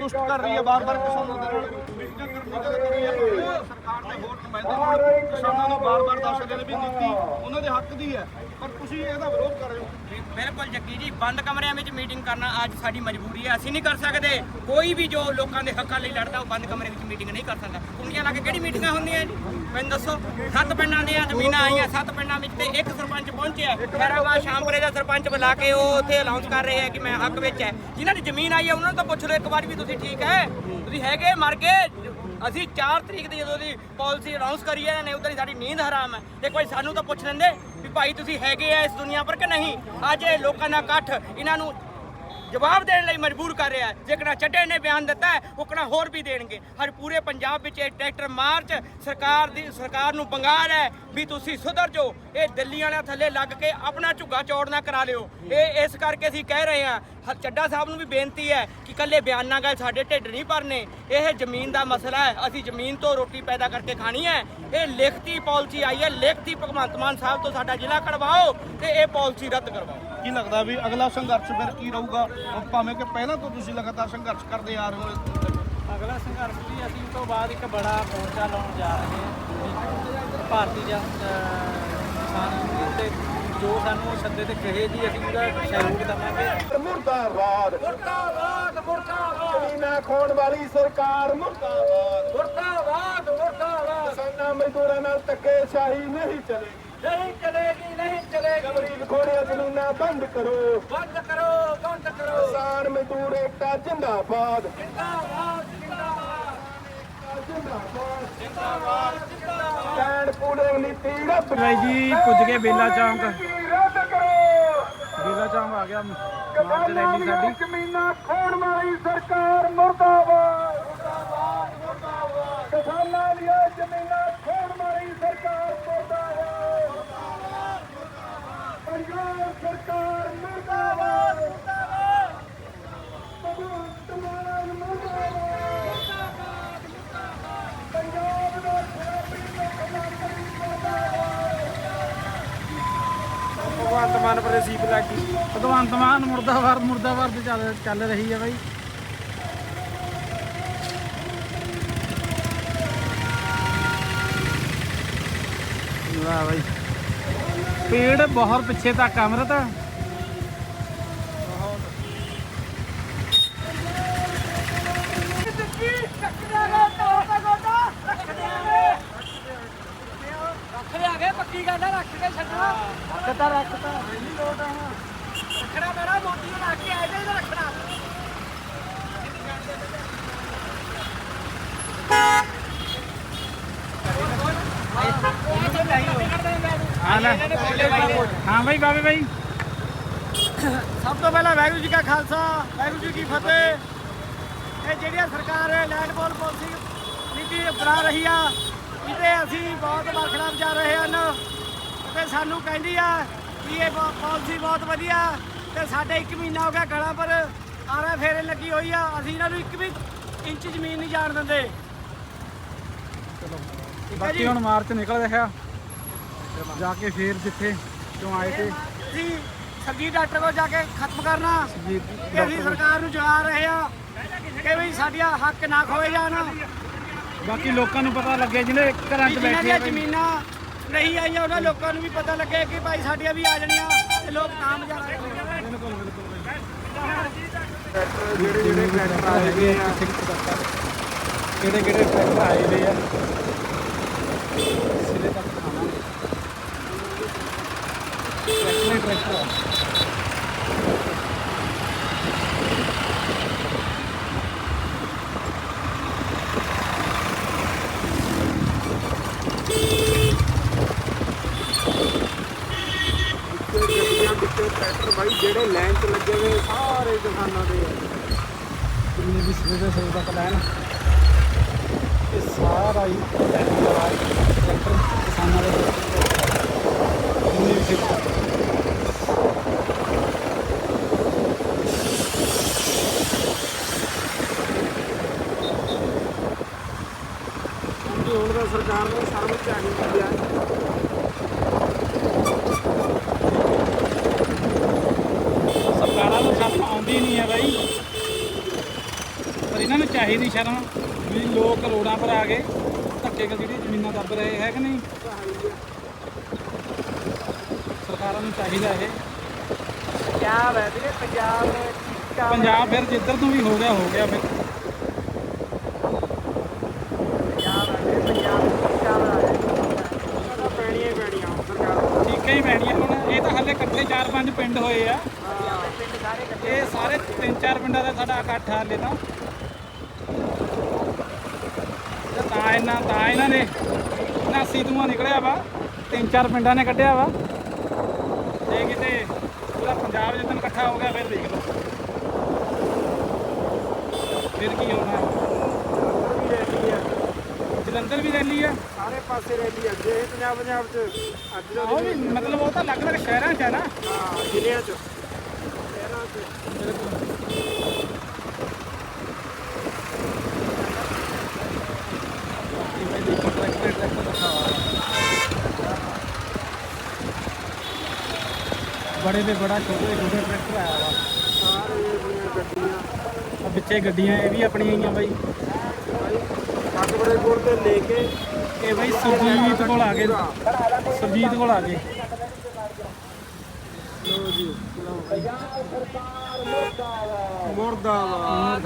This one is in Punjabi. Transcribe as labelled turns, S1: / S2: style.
S1: ਸੰਤੁਸ਼ਟ ਕਰ ਰਹੀ ਹੈ ਬਾਰ-ਬਾਰ ਕਿਸਾਨਾਂ ਦੇ ਨਾਲ ਮੀਟਿੰਗਾਂ ਕਰਨ ਦੀ ਗੱਲ ਕਰੀ ਹੈ। ਸਰਕਾਰ ਦੇ ਹੋਰ ਨੁਮਾਇੰਦੇ ਕਿਸਾਨਾਂ ਨੂੰ ਬਾਰ-ਬਾਰ ਦੱਸ ਰਹੇ ਨੇ ਵੀ ਨੀਤੀ ਉਹਨਾਂ ਦੇ ਹੱਕ ਦੀ ਹੈ, ਪਰ ਤੁਸੀਂ ਇਹਦਾ ਵਿਰੋਧ ਕਰ ਰਹੇ ਹੋ।
S2: ਬਿਲਕੁਲ ਜੱਗੀ ਜੀ, ਬੰਦ ਕਮਰਿਆਂ ਵਿੱਚ ਮੀਟਿੰਗ ਕਰਨਾ ਅੱਜ ਸਾਡੀ ਮਜਬੂਰੀ ਹੈ। ਅਸੀਂ ਨਹੀਂ ਕਰ ਸਕਦੇ। ਕੋਈ ਵੀ ਜੋ ਲੋਕਾਂ ਦੇ ਹੱਕਾਂ ਲਈ ਲੜਦਾ ਉਹ ਬੰਦ ਕਮਰੇ ਵਿੱਚ ਮੀਟਿੰਗ ਨਹੀਂ ਕਰ ਸਕਦਾ। ਕੁੰਡੀਆਂ ਲਾ ਕੇ ਕਿਹੜੀ ਮੀਟਿੰਗਾਂ ਹੁੰਦੀਆਂ ਜੀ? ਮੈਨੂੰ ਦੱਸੋ। 7 ਪਿੰਡਾਂ ਦੀਆਂ ਜ਼ਮੀਨਾਂ ਆਈਆਂ, 7 ਪਿੰਡਾਂ ਵਿੱਚ ਤੇ ਇੱਕ ਸਰਪੰਚ ਪਹੁੰਚਿਆ। ਖੈਰਾਬਾਦ ਸ਼ਾਮਪੁਰੇ ਦਾ ਸਰਪੰਚ ਬੁਲਾ ਕੇ ਉਹ ਉੱਥੇ ਅਨਾਉਂਸ ਕਰ ਰਹੇ ਹੈ ਕਿ ਮੈਂ ਹੱਕ ਵਿੱਚ ਹੈ। ਜਿਨ੍ਹਾਂ ਦੀ ਜ਼ਮੀਨ ਆਈ ਹੈ ਉਹਨਾਂ ਨੂੰ ਤਾਂ ਪੁੱਛ ਲਓ ਇੱਕ ਵਾਰ ਵੀ ਤੁਸੀਂ ਠੀਕ ਹੈ, ਤੁਸੀਂ ਹੈਗੇ ਮਰ ਗਏ। ਅਸੀਂ 4 ਤਰੀਕ ਦੀ ਜਦੋਂ ਦੀ ਪਾਲਿਸੀ ਅਨਾਉਂਸ ਕਰੀ ਹੈ ਨੇ ਉਧਰ ਹੀ ਸਾਡੀ ਨੀਂਦ ਹਰਾਮ ਹੈ। ਇੱਕ ਵਾਰੀ ਸਾਨੂੰ ਤਾਂ ਪੁੱਛ ਲੈਂਦੇ ਵੀ ਭਾਈ ਤੁਸੀਂ ਹੈਗੇ ਆ ਇਸ ਦੁਨੀਆ ਪਰ ਕਿ ਨਹੀਂ। ਅੱਜ ਇਹ ਲੋਕਾਂ ਦਾ ਇਕੱਠ ਇਹਨਾਂ ਨੂੰ ਜਵਾਬ ਦੇਣ ਲਈ ਮਜਬੂਰ ਕਰ ਰਿਹਾ ਹੈ। ਜੇਕਰ ਚੱਡੇ ਨੇ ਬਿਆਨ ਦਿੱਤਾ ਹੈ ਉਕਣਾ ਹੋਰ ਵੀ ਦੇਣਗੇ। ਹਰ ਪੂਰੇ ਪੰਜਾਬ ਵਿੱਚ ਇਹ ਟਰੈਕਟਰ ਮਾਰਚ ਸਰਕਾਰ ਨੂੰ ਬੰਗਾਲ ਹੈ ਵੀ ਤੁਸੀਂ ਸੁਧਰ ਜਾਓ। ਇਹ ਦਿੱਲੀ ਵਾਲਿਆਂ ਥੱਲੇ ਲੱਗ ਕੇ ਆਪਣਾ ਝੁੱਗਾ ਚੌੜ ਨਾ ਕਰਾ ਲਿਓ। ਇਹ ਇਸ ਕਰਕੇ ਅਸੀਂ ਕਹਿ ਰਹੇ ਹਾਂ। ਚੱਡਾ ਸਾਹਿਬ ਨੂੰ ਵੀ ਬੇਨਤੀ ਹੈ ਕਿ ਇਕੱਲੇ ਬਿਆਨਾਂ ਗੱਲ ਸਾਡੇ ਢਿੱਡ ਨਹੀਂ ਭਰਨੇ। ਇਹ ਜ਼ਮੀਨ ਦਾ ਮਸਲਾ ਹੈ, ਅਸੀਂ ਜ਼ਮੀਨ ਤੋਂ ਰੋਟੀ ਪੈਦਾ ਕਰਕੇ ਖਾਣੀ ਹੈ। ਇਹ ਲਿਖਤੀ ਪਾਲਿਸੀ ਆਈ ਹੈ, ਲਿਖਤੀ ਭਗਵੰਤ ਮਾਨ ਸਾਹਿਬ ਤੋਂ ਸਾਡਾ ਜ਼ਿਲ੍ਹਾ ਕਢਵਾਓ ਤੇ ਇਹ ਪਾਲਿਸੀ ਰੱਦ ਕਰਵਾਓ।
S1: ਕੀ ਲੱਗਦਾ ਵੀ ਅਗਲਾ ਸੰਘਰਸ਼ ਫਿਰ ਕੀ ਰਹੂਗਾ, ਭਾਵੇਂ ਕਿ ਪਹਿਲਾਂ ਤੋਂ ਤੁਸੀਂ ਲਗਾਤਾਰ ਸੰਘਰਸ਼ ਕਰਦੇ ਆ ਰਹੇ ਹੋ?
S3: ਅਗਲਾ ਸੰਘਰਸ਼ ਵੀ ਅਸੀਂ ਉਸ ਤੋਂ ਬਾਅਦ ਇੱਕ ਬੜਾ ਮੋਰਚਾ ਲਾਉਣ ਜਾ ਰਹੇ ਹਾਂ। ਭਾਰਤੀ ਕਿਸਾਨ ਯੂਨੀਅਨ ਤੇ ਜੋ ਸਾਨੂੰ ਸੱਦੇ ਤੇ ਕਹੇ ਜੀ ਅਸੀਂ ਉਹਦਾ ਸਹਿਯੋਗ ਦੇਵਾਂਗੇ।
S1: ਮੁਰਦਾਬਾਦ
S2: ਮੁਰਦਾਬਾਦ ਮੁਰਦਾਬਾਦ।
S1: ਜ਼ਮੀਨਾਂ ਖੋਣ ਵਾਲੀ ਸਰਕਾਰ ਮੁਰਦਾਬਾਦ
S2: ਮੁਰਦਾਬਾਦ ਮੁਰਦਾਬਾਦ।
S1: ਕਿਸਾਨਾਂ ਮਜ਼ਦੂਰਾਂ ਨਾਲ ਧੱਕੇਸ਼ਾਹੀ ਨਹੀਂ ਚਲੇਗੀ,
S2: ਨਹੀਂ ਚਲੇਗੀ, ਨਹੀਂ ਚਲੇਗੀ।
S1: ਗਰੀਬ ਖੋੜੀਆਂ ਜ਼ਮੀਨਾਂ ਬੰਦ ਕਰੋ,
S2: ਬੰਦ ਕਰੋ, ਬੰਦ ਕਰੋ।
S1: ਕਿਸਾਨ ਮਜ਼ਦੂਰ ਏਕਤਾ ਜਿੰਦਾਬਾਦ
S2: ਜਿੰਦਾਬਾਦ ਜਿੰਦਾਬਾਦ
S1: ਜਿੰਦਾਬਾਦ।
S2: ਜਿੰਦਾਬਾਦ।
S1: ਸਟੈਂਡ ਪੂਲਿੰਗ ਨੀਤੀ ਰੱਦ
S3: ਭਾਈ ਜੀ ਪੁੱਜ ਗਏ ਬੇਲਾ ਚੌਂਕ।
S1: ਰੱਦ ਕਰੋ।
S3: ਬੇਲਾ ਚੌਂਕ ਆ ਗਿਆ ਮਾਰਚ ਰੈਲੀ ਸਾਡੀ।
S1: ਜ਼ਮੀਨਾਂ ਖੋਣ ਵਾਲੀ ਸਰਕਾਰ ਮੁਰਦਾਬਾਦ ਮੁਰਦਾਬਾਦ ਮੁਰਦਾਬਾਦ। ਕਿਸਾਨਾਂ ਦੀਆਂ ਜ਼ਮੀਨਾਂ ਖੋਣ ਵਾਲੀ ਸਰਕਾਰ ਮੁਰਦਾਬਾਦ ਮੁਰਦਾਬਾਦ ਮੁਰਦਾਬਾਦ। ਪੰਜਾਬ ਸਰਕਾਰ ਮੁਰਦਾਬਾਦ ਮੁਰਦਾਬਾਦ। ਭਗਵੰਤ ਮਾਨ ਮੁਰਦਾਬਾਦ ਮੁਰਦਾਬਾਦ ਮੁਰਦਾਬਾਦ। ਪੰਜਾਬ ਦਾ ਖੇਤਰੀ ਮੁੱਖ ਮੰਤਰੀ ਮੁਰਦਾਬਾਦ।
S3: ਭਗਵੰਤ ਮਾਨ ਪਰ ਸੀਪ ਲੱਗੀ। ਭਗਵੰਤ ਮਾਨ ਮੁਰਦਾਬਾਦ ਮੁਰਦਾਬਾਦ ਤੇ ਚੱਲ ਰਹੀ ਹੈ ਬਾਈ। ਵਾਹ ਬਾਈ, ਪੇੜ ਬਹੁਤ ਪਿੱਛੇ ਤੱਕ ਅਮਰਤ।
S2: ਪੱਕੀ ਗੱਲ ਹੈ, ਰੱਖ ਕੇ ਛੱਡਣਾ।
S3: ਰੱਖਤਾ
S2: ਰੱਖਣਾ ਮੇਰਾ ਮੋਦੀ ਨੂੰ ਰੱਖ ਕੇ ਆਏ ਤੇ ਰੱਖਣਾ।
S3: ਹਾਂ ਬਾਈ ਬਾਬੇ ਬਾਈ।
S2: ਸਭ ਤੋਂ ਪਹਿਲਾਂ ਵਾਹਿਗੁਰੂ ਜੀ ਕਾ ਖਾਲਸਾ ਵਾਹਿਗੁਰੂ ਜੀ ਕੀ ਫਤਿਹ। ਇਹ ਜਿਹੜੀਆਂ ਸਰਕਾਰ ਲੈਂਡ ਪੋਲ ਪਾਲਿਸੀ ਨੀਤੀ ਬਣਾ ਰਹੀ ਆ ਇਹਦੇ ਅਸੀਂ ਬਹੁਤ ਬਰਖਲਾਫ ਜਾ ਰਹੇ ਹਨ ਤੇ ਸਾਨੂੰ ਕਹਿੰਦੀ ਆ ਕਿ ਇਹ ਪਾਲਿਸੀ ਬਹੁਤ ਵਧੀਆ ਤੇ ਸਾਡੇ 1 ਮਹੀਨਾ ਹੋ ਗਿਆ ਗਲਾਂ ਪਰ ਆਰਾ ਫੇਰੇ ਲੱਗੀ ਹੋਈ ਆ। ਅਸੀਂ ਇਹਨਾਂ ਨੂੰ 1 ਵੀ ਇੰਚ ਜ਼ਮੀਨ ਨਹੀਂ ਜਾਣ ਦਿੰਦੇ।
S3: ਬਾਕੀ ਹੁਣ ਮਾਰਚ ਨਿਕਲ ਰਿਹਾ ਜਾ ਕੇ ਫੇਰ ਜਿੱਥੇ ਕਿਉਂ ਆਏ ਤੇ
S2: ਅਸੀਂ ਸੱਗੀ ਡਾਕਟਰ ਕੋਲ ਜਾ ਕੇ ਖਤਮ ਕਰਨਾ
S3: ਜੀ
S2: ਕਿ ਅਸੀਂ ਸਰਕਾਰ ਨੂੰ ਜਗਾ ਰਹੇ ਆ ਕਿ ਵੀ ਸਾਡੀਆਂ ਹੱਕ ਨਾ ਖੋਏ ਜਾਣ।
S3: ਬਾਕੀ ਲੋਕਾਂ ਨੂੰ ਪਤਾ ਲੱਗੇ ਜਿਹਨੇ ਘਰਾਂ 'ਚ
S2: ਜਿਨ੍ਹਾਂ
S3: ਬੈਠੇ
S2: ਦੀਆਂ
S3: ਆ ਬਾਈ।
S2: ਜ਼ਮੀਨਾਂ ਨਹੀਂ ਆਈਆਂ ਉਹਨਾਂ ਲੋਕਾਂ ਨੂੰ ਵੀ ਪਤਾ ਲੱਗੇ ਕਿ ਭਾਈ ਸਾਡੀਆਂ ਵੀ ਆ ਜਾਣੀਆਂ ਤੇ ਲੋਕ ਨਾਮ ਜਾ ਰਹੇ ਨੇ।
S3: ਬਿਲਕੁਲ
S1: ਜਿਹੜੇ ਟਰੈਕਟਰ ਆਏ ਗਏ ਆ,
S3: ਕਿਹੜੇ ਟਰੈਕਟਰ ਆਏ ਵੇ ਆ ਸਿਰੇ ਤੱਕ ਖਾਵਾਂਗੇ। ਟਰੈਕਟਰ
S1: ਟਰੈਕਟਰ ਬਾਈ ਜਿਹੜੇ ਲਾਈਨ 'ਚ ਲੱਗੇ ਹੋਏ ਸਾਰੇ ਕਿਸਾਨਾਂ ਦੇ ਆ।
S3: ਜਿੰਨੇ ਵੀ ਸਿਰੇ ਤੱਕ ਲੈਣ ਇਹ ਸਾਰਾ ਹੀ ਟਰੈਕਟਰ ਕਿਸਾਨਾਂ ਦੇ ਜਿੰਨੇ ਵੀ ਸਿਰੇ ਤੱਕ।
S1: ਹੁਣ ਤਾਂ ਸਰਕਾਰ ਨੂੰ ਸ਼ਰਮ ਚਾਹੀਦੀ ਆ।
S3: ਸਰਕਾਰਾਂ ਨੂੰ ਸ਼ਰਮ ਆਉਂਦੀ ਨਹੀਂ ਹੈ ਬਾਈ। ਪਰ ਇਹਨਾਂ ਨੂੰ ਚਾਹੀਦੀ ਸ਼ਰਮ ਵੀ ਲੋਕ ਰੋਡਾਂ ਪਰ ਆ ਗਏ ਧੱਕੇ ਨਾਲ ਜਿਹੜੀ ਜ਼ਮੀਨਾਂ ਦੱਬ ਰਹੇ ਹੈ ਕਿ ਨਹੀਂ। ਸਰਕਾਰਾਂ ਨੂੰ ਚਾਹੀਦਾ ਇਹ
S2: ਪੰਜਾਬ ਹੈ ਵੀਰੇ,
S3: ਪੰਜਾਬ ਫਿਰ ਜਿੱਧਰ ਤੋਂ ਵੀ ਹੋ ਗਿਆ ਫਿਰ ਠੀਕ ਹੀ ਪੈਣੀਆਂ ਹੁਣ। ਇਹ ਤਾਂ ਹਾਲੇ ਇਕੱਠੇ 4-5 ਪਿੰਡ ਹੋਏ ਆ, ਇਹ ਸਾਰੇ 3-4 ਪਿੰਡਾਂ ਦਾ ਸਾਡਾ ਇਕੱਠ ਹਾਲੇ ਤਾਂ ਇਹਨਾਂ ਨੇ 79 ਧੂੰਆਂ ਨਿਕਲਿਆ ਵਾ, 3-4 ਪਿੰਡਾਂ ਨੇ ਕੱਢਿਆ ਵਾ। ਜੇ ਕਿਤੇ ਪੂਰਾ ਪੰਜਾਬ ਜਿੱਦਣ ਇਕੱਠਾ ਹੋ ਗਿਆ ਫਿਰ ਦੇਖ ਲਓ ਫਿਰ ਕੀ ਹੋਣਾ। ਜਲੰਧਰ ਵੀ ਰੈਲੀ ਆ,
S1: ਸਾਰੇ ਪਾਸੇ ਰੈਲੀ ਅੱਗੇ ਪੰਜਾਬ ਚ ਅੱਜ
S3: ਉਹ ਵੀ ਮਤਲਬ ਉਹ ਤਾਂ ਅਲੱਗ-ਅਲੱਗ ਸ਼ਹਿਰਾਂ 'ਚ ਹੈ ਨਾ,
S1: ਜ਼ਿਲ੍ਹਿਆਂ ਚ
S3: ਬੜੇ ਤੇ ਬੜਾ ਛੋਟੇ ਟਰੈਕਟਰ ਆਇਆ ਵਾ, ਆ ਪਿੱਛੇ ਗੱਡੀਆਂ ਇਹ ਵੀ ਆਪਣੀਆਂ ਹੀ ਆ ਬਾਈ।
S1: ਕੱਟ ਬੜੇ ਕੋਲ ਤੇ ਲੈ ਕੇ
S3: ਇਹ ਬਾਈ ਸੁਰਜੀਤ ਕੋਲ ਆ ਗਏ, ਸੁਰਜੀਤ ਕੋਲ ਆ ਗਏ।
S1: ਮੁਰਦਾਬਾਦ